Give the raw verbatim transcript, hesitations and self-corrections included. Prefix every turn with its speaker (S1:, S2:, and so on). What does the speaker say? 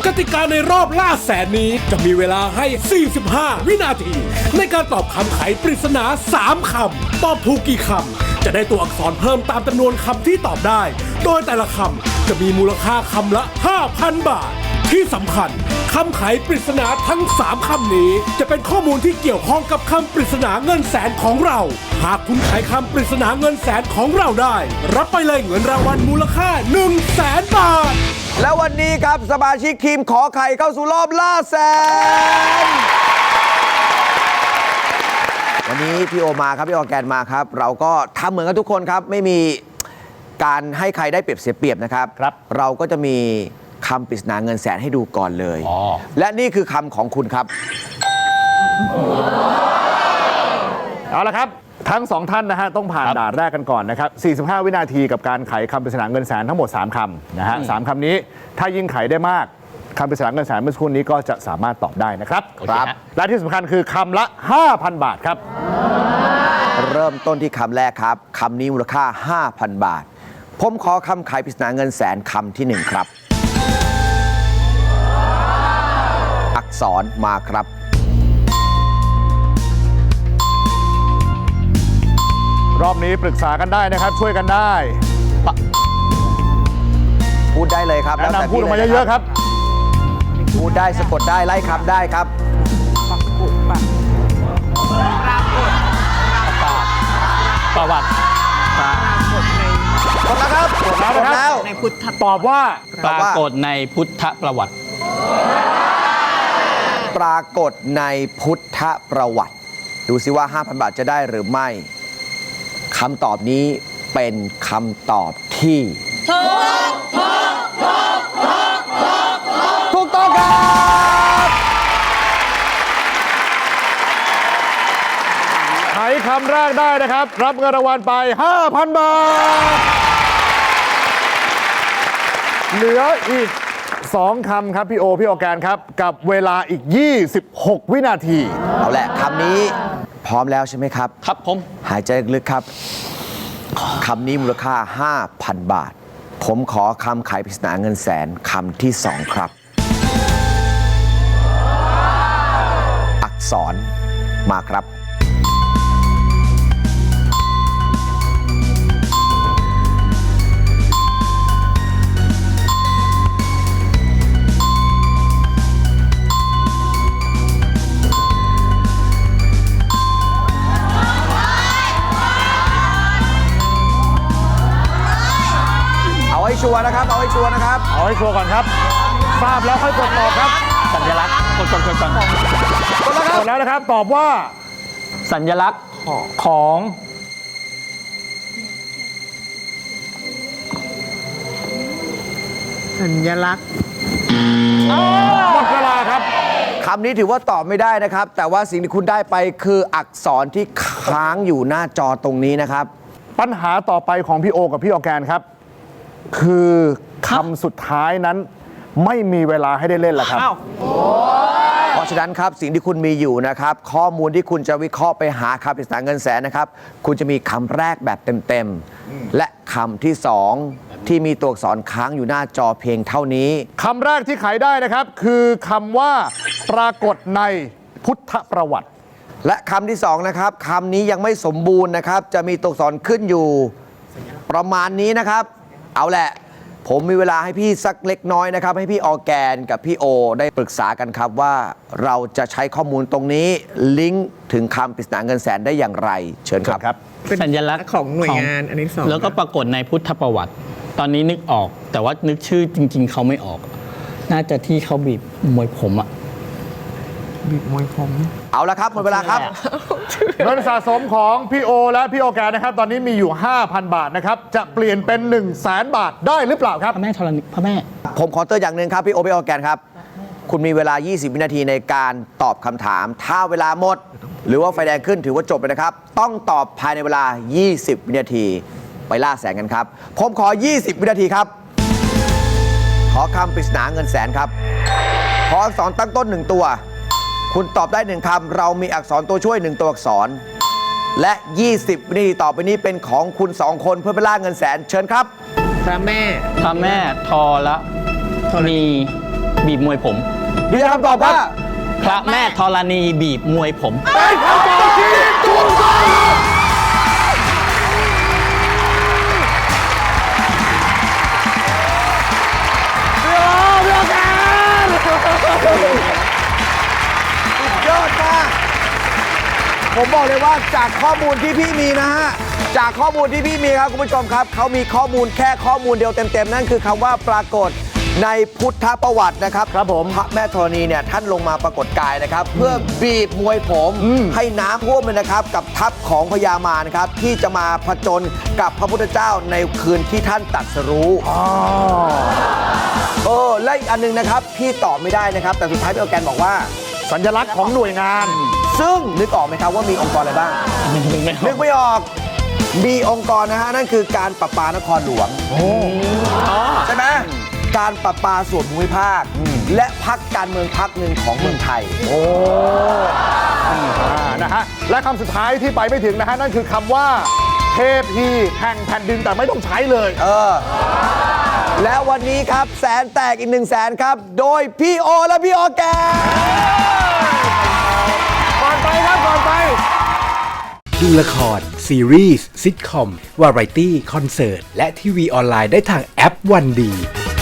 S1: กติกาในรอบล่าแสนนี้จะมีเวลาให้ สี่สิบห้า วินาที ในการตอบคำไขปริศนา สาม คำ ตอบถูกกี่คำ จะได้ตัวอักษรเพิ่มตามจำนวนคำที่ตอบได้ โดยแต่ละคำจะมีมูลค่าคำละ ห้าพัน บาท ที่สำคัญคำไขปริศนาทั้ง สาม คำนี้จะเป็นข้อมูลที่เกี่ยวข้องกับคำปริศนาเงินแสนของเรา หากคุณไขคำปริศนาเงินแสนของเราได้ รับไปเลยเงินรางวัลมูลค่า หนึ่งแสน บาท
S2: แล้ววันนี้ครับสมาชิกทีมขอไข่เข้าสู่รอบล่าแสน วันนี้พี่โอมาครับพี่ออร์แกนมาครับ เราก็ทำเหมือนกันทุกคนครับ ไม่มีการให้ใครได้เปรียบเสียเปรียบนะครับ
S3: ครับ
S2: เราก็จะมีคำปริศนาเงินแสนให้ดูก่อนเลย
S3: อ๋อ
S2: และนี่คือคำของคุณครับ
S3: เอาละครับ ทั้งสองท่านนะฮะต้องผ่านด่านแรกกันก่อนนะครับ สี่สิบห้า วินาทีกับการไขคำปริศนาเงินแสนทั้งหมด สาม คำนะฮะสามคำนี้ถ้ายิ่งไขได้มากคำปริศนาเงินแสนเมื่อสักครู่นี้ก็จะสามารถตอบได้นะครับ
S2: ครับ
S3: และที่สำคัญคือคำละ ห้าพัน บาทครับ
S2: เริ่มต้นที่คำแรกครับคำนี้มูลค่า ห้าพัน บาท ผมขอคำไขปริศนาเงินแสนคำที่หนึ่งครับ อักษรมาครับ
S3: รอบนี้ปรึกษากันได้นะครับ ช่วยกันได้
S2: พูดได้เลยครับ
S3: แนะ
S2: แต่
S3: นำพูดออกมา
S2: พี่ล
S3: เยอะๆครับ
S2: พูดได้สะกดได้ไล่คำได้ครับ
S4: ประวัติ
S2: หมดแล้วครับ
S3: หมดแล้วนะครับ
S2: หมด
S5: ในพุทธ
S3: ตอบว่า
S4: ปรากฏในพุทธประวัติ
S2: ปรากฏในพุทธประวัติ ดูสิว่า ห้าพัน บาทจะได้หรือไม่คำตอบนี้เป็นคำตอบที่ถูกต้องครับ
S3: ไขคำแรกได้นะครับ รับเงินรางวัลไป ห้าพัน บาท เหลืออีก สอง คำครับพี่โอ พี่ออร์แกนครับ กับเวลาอีก ยี่สิบหก วินาที
S2: เอาแหละคำนี้พร้อมแล้วใช่ไหมครับ
S4: ครับผม
S2: หายใจลึกๆครับคำนี้มูลค่า ห้าพัน บาท ผมขอคำไขปริศนาเงินแสนคำที่สองครับ อักษรมาครับ เอาให้ชัวร์นะครับ เอาให้ชัวร์นะครับ
S3: เอาให้ชัวร์ก่อนครับ ทราบแล้วค่อยกดตอบครับ
S4: สัญลักษณ์กดกดกดก่อน
S3: กดแล้วนะครับ ตอบว่า
S4: สัญลักษณ์ของ
S5: สัญลักษณ์
S3: หมดเวลาครับ
S2: คำนี้ถือว่าตอบไม่ได้นะครับ แต่ว่าสิ่งที่คุณได้ไปคืออักษรที่ค้างอยู่หน้าจอตรงนี้นะครับ
S3: ปัญหาต่อไปของพี่โอกับพี่ออร์แกนครับ คือคำสุดท้ายนั้นไม่มีเวลาให้ได้เล่นแล้วครับ
S5: อ้าว
S2: เพราะฉะนั้นครับสิ่งที่คุณมีอยู่นะครับ ข้อมูลที่คุณจะวิเคราะห์ไปหาคำปริศนาเงินแสนนะครับ คุณจะมีคำแรกแบบเต็มๆและคำที่สองที่มีตัวอักษรค้างอยู่หน้าจอเพียงเท่านี้
S3: คำแรกที่ไขได้นะครับ คือคำว่าปรากฏในพุทธประวัติ
S2: และคำที่สองนะครับคำนี้ยังไม่สมบูรณ์นะครับ จะมีตัวอักษรขึ้นอยู่ประมาณนี้นะครับ เอาแหละ ผมมีเวลาให้พี่สักเล็กน้อยนะครับ ให้พี่ออร์แกนกับพี่โอได้ปรึกษากันครับว่าเราจะใช้ข้อมูลตรงนี้ลิงก์ถึงคำปริศนาเงินแสนได้อย่างไร เชิญครับ
S3: ครับ
S5: เป็น
S4: สัญลักษณ์
S5: ของหน่วยงานอันนี้สอง
S4: แล้วก็ปรากฏในพุทธประวัติ ตอนนี้นึกออก แต่ว่านึกชื่อจริง ๆ เขาไม่ออก น่าจะที่เขาบีบมวยผมอะ
S5: บีบมวยผม
S2: เอาละครับหมดเวลาครับ
S3: เงินสะสมของพี่โอและพี่ออร์แกนนะครับ ตอนนี้มีอยู่ ห้าพัน บาทนะครับ จะเปลี่ยนเป็น 1 0 0 0 0แสนบาทได้หรือเปล่าครับ
S4: พระแม่ธรณีพระแม่
S2: ผมขอเตือนอย่างหนึ่งครับ พี่โอพี่ออร์แกนครับ คุณมีเวลา ยี่สิบ วินาทีในการตอบคำถาม ถ้าเวลาหมด หรือว่าไฟแดงขึ้นถือว่าจบเลยนะครับ ต้องตอบภายในเวลา ยี่สิบ วินาที ไปล่าแสนกันครับ ผมขอ ยี่สิบ วินาทีครับ ขอคำปริศนาเงินแสนครับ ขออักษรตั้งต้นหนึ่งตัว คุณตอบได้หนึ่งคำเรามีอักษรตัวช่วยหนึ่งตัวอักษร และ ยี่สิบ วินาทีต่อไปนี้เป็นของคุณสองคนเพื่อไปล่าเงินแสนเชิญครับ
S5: พระแม่
S4: พระแม่ธรณีบีบมวยผม
S2: ยืนยันคำตอบว่า
S4: พระแม่ธรณีบีบมวยผม
S3: เป็นคำตอบที่ถูกต้องพี่โอพี่โอแกน
S2: ยอดมาก ผมบอกเลยว่าจากข้อมูลที่พี่มีนะฮะ จากข้อมูลที่พี่มีครับคุณผู้ชมครับ เขามีข้อมูลแค่ข้อมูลเดียวเต็มๆ นั่นคือคำว่าปรากฏในพุทธประวัตินะครับ
S3: ครับผม
S2: พระแม่ธรณีเนี่ยท่านลงมาปรากฏกายนะครับ เพื่อบีบมวยผมให้น้ำท่วมเลยนะครับ กับทัพของพญามารนะครับ ที่จะมาผจญกับพระพุทธเจ้าในคืนที่ท่านตรัสรู้
S3: อ๋อ
S2: เออและอีกอันหนึงนะครับ พี่ตอบไม่ได้นะครับ แต่สุดท้ายพี่ออร์แกนบอกว่า
S3: สัญลักษณ์ของหน่วยงาน
S2: ซึ่งนึกออกไหมครับว่ามีองค์กรอะไรบ้าง นึกไม่ออก มีองค์กรนะฮะ นั่นคือการประปานครหลวงใช่ไหมการประปาส่วนภูมิภาค และพักการเมืองพักหนึ่งของเมืองไทย
S3: โอ้อ่านะฮะ และคำสุดท้ายที่ไปไม่ถึงนะฮะ นั่นคือคำว่า เทพีแห่งแผ่นดินแต่ไม่ต้องใช้เลย
S2: เออ แล้ววันนี้ครับแสนแตกอีกหนึ่งแสนครับ โดยพี่โอและพี่ออร์แกน
S3: ก่อนไปครับ ก่อนไป
S1: ดูละคร ซีรีส์ซิทคอม วาไรตี้ คอนเสิร์ต และทีวีออนไลน์ได้ทางแอปวันดี